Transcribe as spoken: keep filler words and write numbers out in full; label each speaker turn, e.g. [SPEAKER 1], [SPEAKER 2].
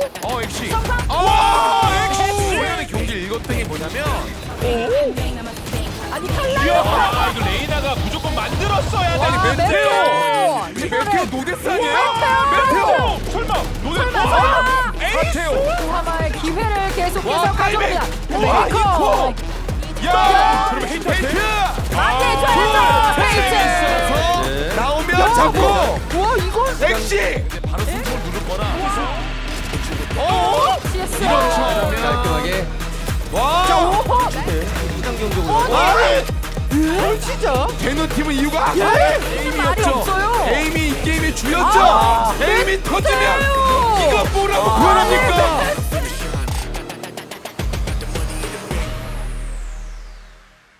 [SPEAKER 1] 어 엑시.
[SPEAKER 2] 성공.
[SPEAKER 1] 와 엑시. 오늘의 경기 일거등이 뭐냐면.
[SPEAKER 2] 아니
[SPEAKER 3] 이야,
[SPEAKER 2] 칼날.
[SPEAKER 3] 아, 이거 레이나가 무조건 만들었어야
[SPEAKER 2] 와,
[SPEAKER 3] 되는
[SPEAKER 2] 메테오.
[SPEAKER 1] 이 메테오 노데스 아니에요?
[SPEAKER 2] 메테오.
[SPEAKER 3] 메테오! 설마! 노래
[SPEAKER 2] 설마, 설마.
[SPEAKER 1] 사테오.
[SPEAKER 2] 하마의 기회를 계속해서
[SPEAKER 1] 와,
[SPEAKER 2] 가져옵니다.
[SPEAKER 1] 와,
[SPEAKER 2] 메이커.
[SPEAKER 1] 야.
[SPEAKER 3] 그럼 헤이트
[SPEAKER 1] 헤이트.
[SPEAKER 2] 안돼 줘야죠. 헤이트.
[SPEAKER 1] 네. 나오면 잡고.
[SPEAKER 2] 와 이건
[SPEAKER 1] 엑시.
[SPEAKER 3] 바로 승부를 누를 거라.
[SPEAKER 1] 어.
[SPEAKER 2] 씨에스.
[SPEAKER 1] 이렇죠.
[SPEAKER 4] 깔끔하게.
[SPEAKER 1] 와.
[SPEAKER 2] 자 오호.
[SPEAKER 4] 수상경적으로.
[SPEAKER 1] 아.
[SPEAKER 4] 어, 진짜?
[SPEAKER 1] 되는 팀은 이유가
[SPEAKER 2] 말이
[SPEAKER 1] 에임이었죠.
[SPEAKER 2] 없어요.
[SPEAKER 1] 에임이 이 게임의 주였죠.
[SPEAKER 2] 아,
[SPEAKER 1] 에임이 터지면
[SPEAKER 2] 메테오.
[SPEAKER 1] 이거 뭐라고
[SPEAKER 2] 아,
[SPEAKER 1] 표현합니까?